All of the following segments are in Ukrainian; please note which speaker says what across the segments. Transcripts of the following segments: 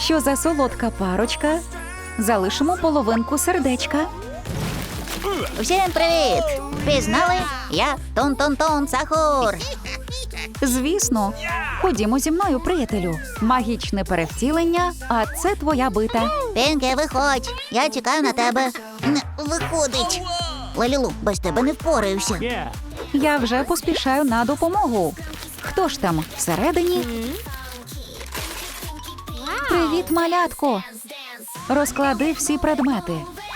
Speaker 1: Що за солодка парочка? Залишимо половинку сердечка.
Speaker 2: Всім привіт! Пізнали? Я Тун-Тун-Тун Сахур.
Speaker 1: Звісно. Ходімо зі мною, приятелю. Магічне перевтілення, а це твоя бита.
Speaker 2: Пінкі, виходь. Я чекаю на тебе. Не виходить. Лалілу, без тебе не впораюся.
Speaker 1: Я вже поспішаю на допомогу. Хто ж там всередині? Привіт, малятко. Розклади всі предмети.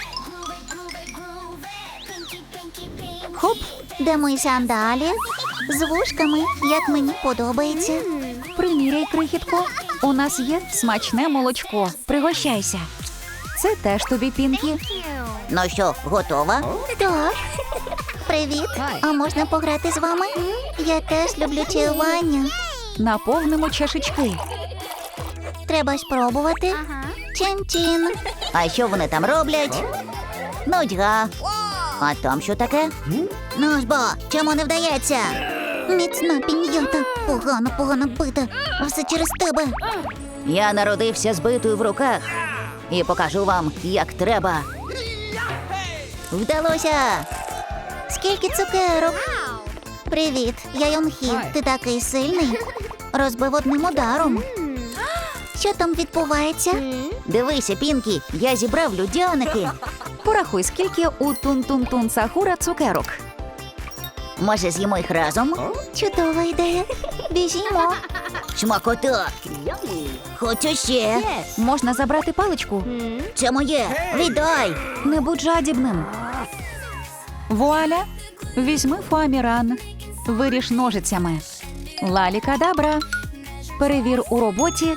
Speaker 2: Хоп, де мої сандалі? З вушками, як мені подобається.
Speaker 1: Приміряй, крихітко. У нас є смачне молочко. Пригощайся. Це теж тобі, Пінкі.
Speaker 2: Ну що, готова? Так. Привіт. А можна пограти з вами? Я теж люблю чаювання.
Speaker 1: Наповнимо чашечки.
Speaker 2: Треба спробувати. Чин-чин. А що вони там роблять? Нудьга. А там що таке? Ну ж бо, чому не вдається? Міцна піньята. Погано бита. Все через тебе. Я народився з битою в руках. І покажу вам, як треба. Вдалося! Скільки цукерок? Привіт, я Йонхі. Ти такий сильний. Розбив одним ударом. Що там відбувається? Дивися, Пінкі, я зібрав людяники.
Speaker 1: Порахуй, скільки у Тун-Тун-Тун Сахура цукерок.
Speaker 2: Може, з'їмо їх разом? Чудова ідея. Біжімо. Смакота. Хочу ще.
Speaker 1: Можна забрати паличку?
Speaker 2: Це моє. Віддай.
Speaker 1: Не будь жадібним. Вуаля! Візьми фоаміран. Виріж ножицями. Лалі-кадабра. Перевір у роботі.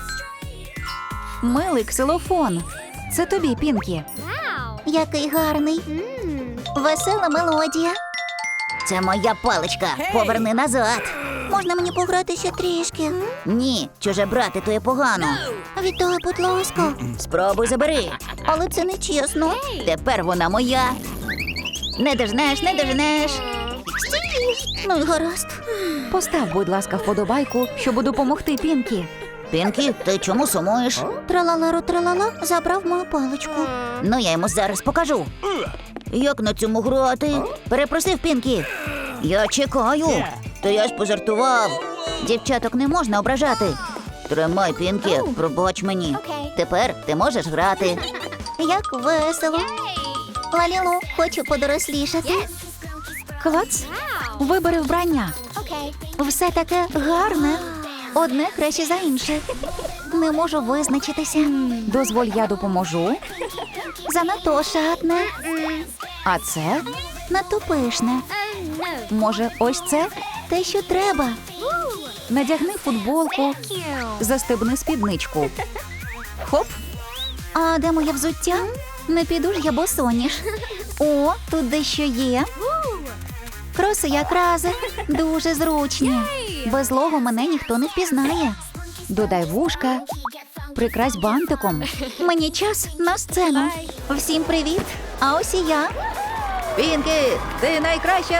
Speaker 1: Милий ксилофон. Це тобі, Пінкі.
Speaker 2: Який гарний. Весела мелодія. Це моя паличка. Поверни назад. Можна мені пограти ще трішки? Ні, чуже брати, то є погано. Віддай, будь ласка. Спробуй забери. Але це не чесно. Тепер вона моя. Не дожнеш, не дожнеш. Стій. Ну й гаразд.
Speaker 1: Постав, будь ласка, вподобайку, щоб допомогти Пінкі.
Speaker 2: Пінкі, ти чому сумуєш? Тралалару-тралала забрав мою паличку. Ну, я йому зараз покажу. Як на цьому грати? Перепросив, Пінкі. Я чекаю. То я ж пожартував. Дівчаток не можна ображати. Тримай, Пінкі, пробач мені. Тепер ти можеш грати. Як весело. Лалілу, хочу подорослішати.
Speaker 1: Клац. Вибери вбрання.
Speaker 2: Все таке гарне. Одне краще за інше. Не можу визначитися.
Speaker 1: Дозволь, я допоможу.
Speaker 2: Занадто шатне.
Speaker 1: А це?
Speaker 2: Надто пишне.
Speaker 1: Може, ось це?
Speaker 2: Те, що треба.
Speaker 1: Надягни футболку. Застебни спідничку. Хоп.
Speaker 2: А де моє взуття? Не піду ж я босоніж. О, тут дещо є. Кроси якраз. Дуже зручні. Без лого мене ніхто не впізнає.
Speaker 1: Додай вушка. Прикрась бантиком.
Speaker 2: Мені час на сцену. Всім привіт. А ось і я.
Speaker 1: Пінкі, ти найкраща!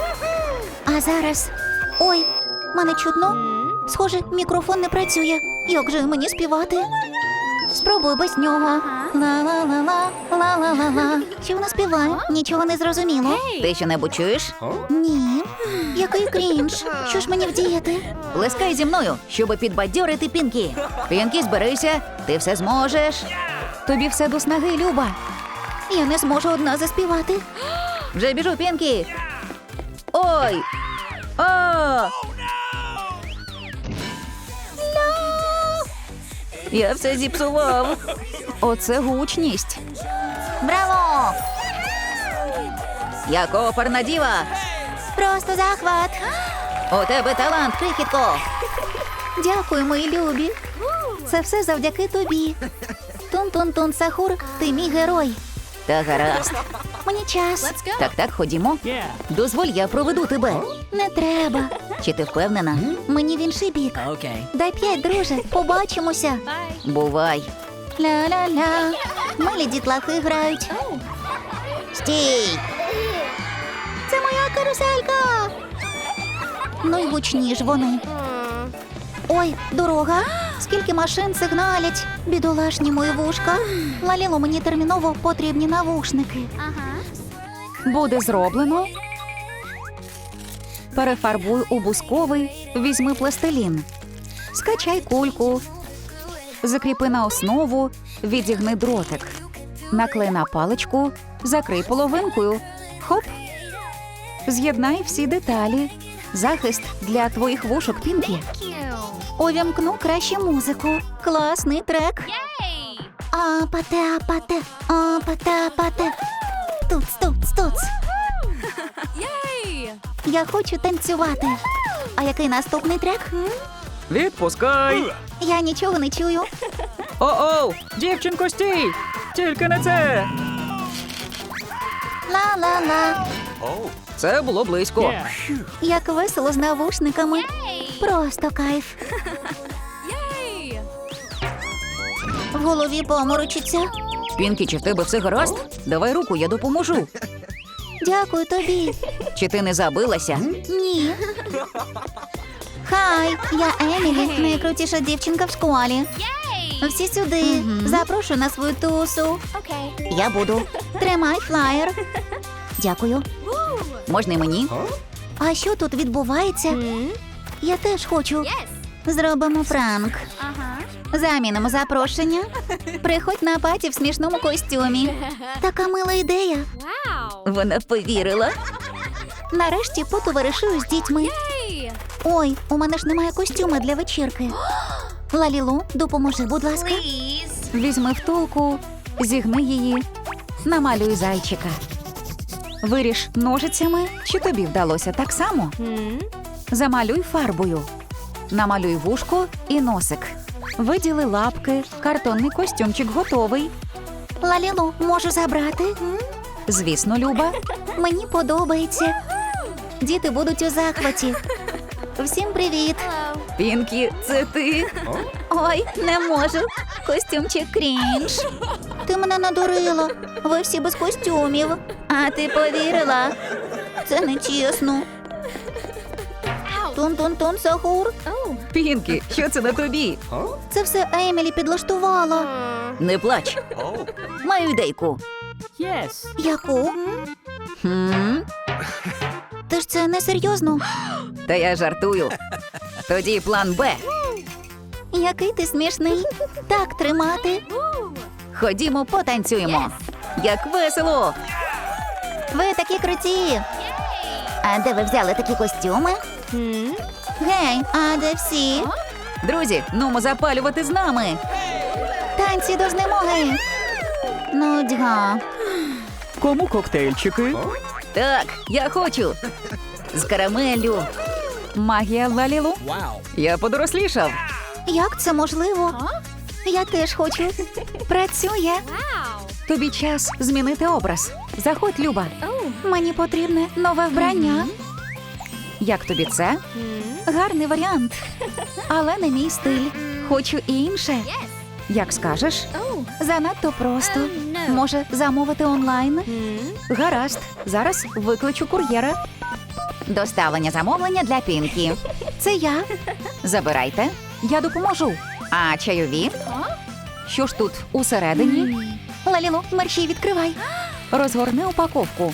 Speaker 2: А зараз... Ой, мене чутно? Схоже, мікрофон не працює. Як же мені співати? Спробуй без нього. Ла-ла-ла-ла, ла-ла-ла-ла. Що вона співає? Нічого не зрозуміло.
Speaker 1: Ти що-небудь чуєш?
Speaker 2: Ні. Який крінж. Що ж мені вдіяти?
Speaker 1: Плескай зі мною, щоб підбадьорити Пінкі. Пінкі, зберися, ти все зможеш. Тобі все до снаги, Люба.
Speaker 2: Я не зможу одна заспівати.
Speaker 1: Вже біжу, Пінкі. Ой! О! Я все зіпсував. Оце гучність.
Speaker 2: Браво!
Speaker 1: Як оперна діва.
Speaker 2: Просто захват.
Speaker 1: У тебе талант, крихітко.
Speaker 2: Дякую, мої любі. Це все завдяки тобі. Тун-тун-тун, Сахур, ти мій герой.
Speaker 1: Та гаразд.
Speaker 2: Мені час.
Speaker 1: Так, ходімо. Дозволь, я проведу тебе.
Speaker 2: Не треба.
Speaker 1: Чи ти впевнена?
Speaker 2: Мені в інший бік. Дай 5, друже. Побачимося.
Speaker 1: Бувай.
Speaker 2: Ля-ля-ля. Милі дітлахи грають. Стій! Це моя каруселька. Ну й гучні ж вони. Ой, дорога. Скільки машин сигналять. Бідолашні мої вушка. Лаліло, мені терміново потрібні навушники.
Speaker 1: Буде зроблено. Перефарбуй у бусковий, візьми пластилін. Скачай кульку. Закріпи на основу, відігни дротик. Наклей на паличку, закрий половинкою. Хоп. З'єднай всі деталі. Захист для твоїх вушок, Пінкі.
Speaker 2: Увімкну краще музику. Класний трек. Апате, апате, апате, апате. Туц, туц, туц. Я хочу танцювати. А який наступний трек?
Speaker 1: Відпускай!
Speaker 2: Я нічого не чую.
Speaker 1: О-оу! Дівчинко, стій! Тільки не це!
Speaker 2: Ла-ла-ла.
Speaker 1: Це було близько.
Speaker 2: Як весело з навушниками. Просто кайф. В голові поморочиться.
Speaker 1: Пінкі, чи в тебе все гаразд? Давай руку, я допоможу.
Speaker 2: Дякую тобі.
Speaker 1: Чи ти не забилася?
Speaker 2: Ні. Хай, я Емілі, найкрутіша дівчинка в школі. Всі сюди. Запрошую на свою тусу. Я буду. Тримай флаєр. Дякую.
Speaker 1: Можна й мені?
Speaker 2: А що тут відбувається? Я теж хочу. Зробимо пранк. Замінимо запрошення. Приходь на паті в смішному костюмі. Така мила ідея.
Speaker 1: Вона повірила.
Speaker 2: Нарешті потоваришую з дітьми. Ой, у мене ж немає костюма для вечірки. Лалілу, допоможи, будь ласка.
Speaker 1: Візьми втулку, зігни її, намалюй зайчика. Виріж ножицями, чи тобі вдалося так само? Замалюй фарбою. Намалюй вушко і носик. Виділи лапки, картонний костюмчик готовий.
Speaker 2: Лалілу, можу забрати?
Speaker 1: Звісно, Люба.
Speaker 2: Мені подобається. Діти будуть у захваті. Всім привіт.
Speaker 1: Пінкі, це ти?
Speaker 2: Ой, не можу. Костюмчик крінж. Ти мене надурила. Ви всі без костюмів. А ти повірила? Це нечесно. Тун-тун-тун, Сахур.
Speaker 1: Пінкі, що це на тобі?
Speaker 2: Це все Емілі підлаштувала.
Speaker 1: Не плач. Маю ідейку.
Speaker 2: Яку?
Speaker 1: Хм?
Speaker 2: Ти ж це не серйозно?
Speaker 1: Та я жартую. Тоді план Б.
Speaker 2: Який ти смішний. Так тримати.
Speaker 1: Ходімо, потанцюємо. Як весело!
Speaker 2: Ви такі круті. А де ви взяли такі костюми? Гей, а де всі?
Speaker 1: Друзі, нумо запалювати з нами.
Speaker 2: Танці до знемоги. Нудьга.
Speaker 1: Кому коктейльчики? Так, я хочу. З карамеллю. Магія Лалілу. Я подорослішав.
Speaker 2: Як це можливо? Я теж хочу. Працює.
Speaker 1: Тобі час змінити образ. Заходь, Люба.
Speaker 2: Мені потрібне нове вбрання.
Speaker 1: Як тобі це?
Speaker 2: Гарний варіант.
Speaker 1: Але не мій стиль. Хочу інше. Як скажеш?
Speaker 2: Занадто просто.
Speaker 1: Може, замовити онлайн? Гаразд. Зараз викличу кур'єра. Доставлення замовлення для Пінкі.
Speaker 2: Це я.
Speaker 1: Забирайте. Я допоможу. А чайові? Що ж тут усередині?
Speaker 2: Лалілу, мерщій відкривай.
Speaker 1: Розгорни упаковку.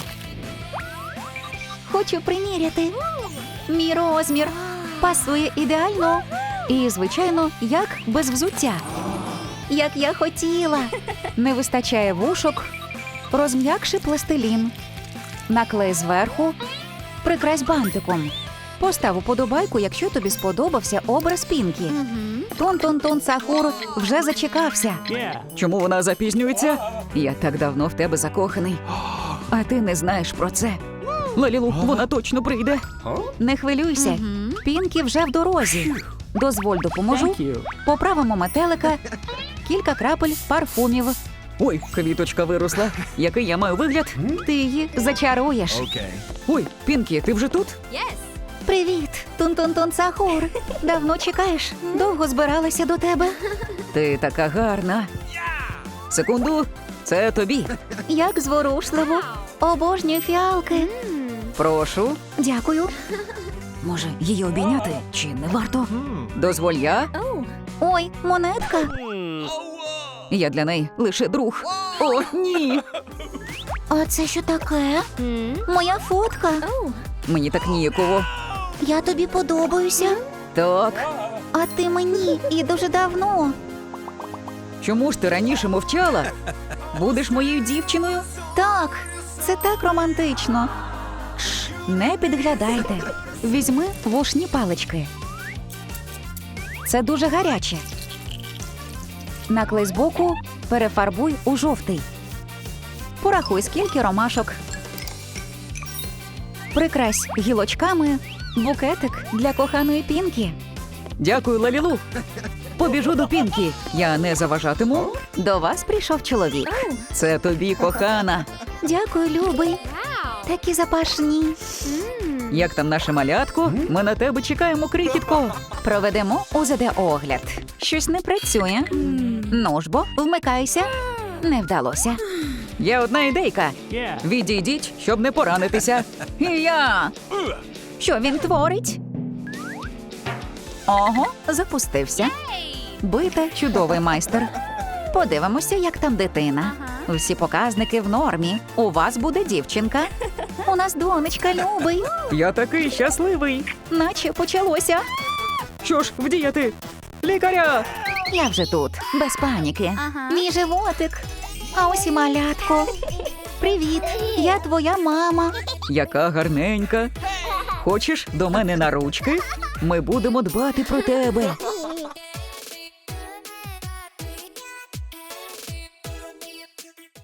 Speaker 2: Хочу приміряти. Мій розмір.
Speaker 1: Пасує ідеально. І, звичайно, як без взуття.
Speaker 2: Як я хотіла.
Speaker 1: Не вистачає вушок. Розм'якши пластилін. Наклей зверху. Прикрась бантиком. Постав уподобайку, якщо тобі сподобався образ Пінкі. Тон-тон-тон, Сахур вже зачекався. Чому вона запізнюється? Я так давно в тебе закоханий. А ти не знаєш про це. Лалілу, вона точно прийде. Не хвилюйся. Пінкі вже в дорозі. Дозволь, допоможу. Поправимо метелика. Кілька крапель парфумів. Ой, квіточка виросла. Який я маю вигляд? Ти її зачаруєш. Ой, Пінкі, ти вже тут?
Speaker 2: Привіт, Тун-тун-тун, Сахур. Давно чекаєш? Довго збиралася до тебе.
Speaker 1: Ти така гарна. Секунду, це тобі.
Speaker 2: Як зворушливо. Обожнюю фіалки.
Speaker 1: Прошу.
Speaker 2: Дякую.
Speaker 1: Може, її обійняти? Чи не варто? Дозволь я? Ой, монетка. Я для неї лише друг. О, ні.
Speaker 2: А це що таке? Моя фотка.
Speaker 1: Мені так ніяково.
Speaker 2: Я тобі подобаюся.
Speaker 1: Так.
Speaker 2: А ти мені і дуже давно.
Speaker 1: Чому ж ти раніше мовчала? Будеш моєю дівчиною?
Speaker 2: Так.
Speaker 1: Це так романтично. Шш, не підглядайте. Візьми вушні палички. Це дуже гаряче. Наклей збоку, перефарбуй у жовтий. Порахуй, скільки ромашок. Прикрась гілочками букетик для коханої Пінкі. Дякую, Лалілу. Побіжу до Пінкі. Я не заважатиму. До вас прийшов чоловік. Це тобі, кохана.
Speaker 2: Дякую, любий. Такі запашні.
Speaker 1: Як там наше малятко? Ми на тебе чекаємо, крихітко. Проведемо УЗД-огляд. Щось не працює. Ну ж бо, вмикайся. Не вдалося. Є одна ідейка. Відійдіть, щоб не поранитися. І я. Що він творить? Ого, запустився. Бита – чудовий майстер. Подивимося, як там дитина. Всі показники в нормі. У вас буде дівчинка.
Speaker 2: У нас донечка, любий.
Speaker 1: Я такий щасливий. Наче почалося. Що ж, вдіяти? Лікаря! Я вже тут, без паніки.
Speaker 2: Мій животик. А ось і малятко. Привіт, я твоя мама.
Speaker 1: Яка гарненька. Хочеш до мене на ручки? Ми будемо дбати про тебе.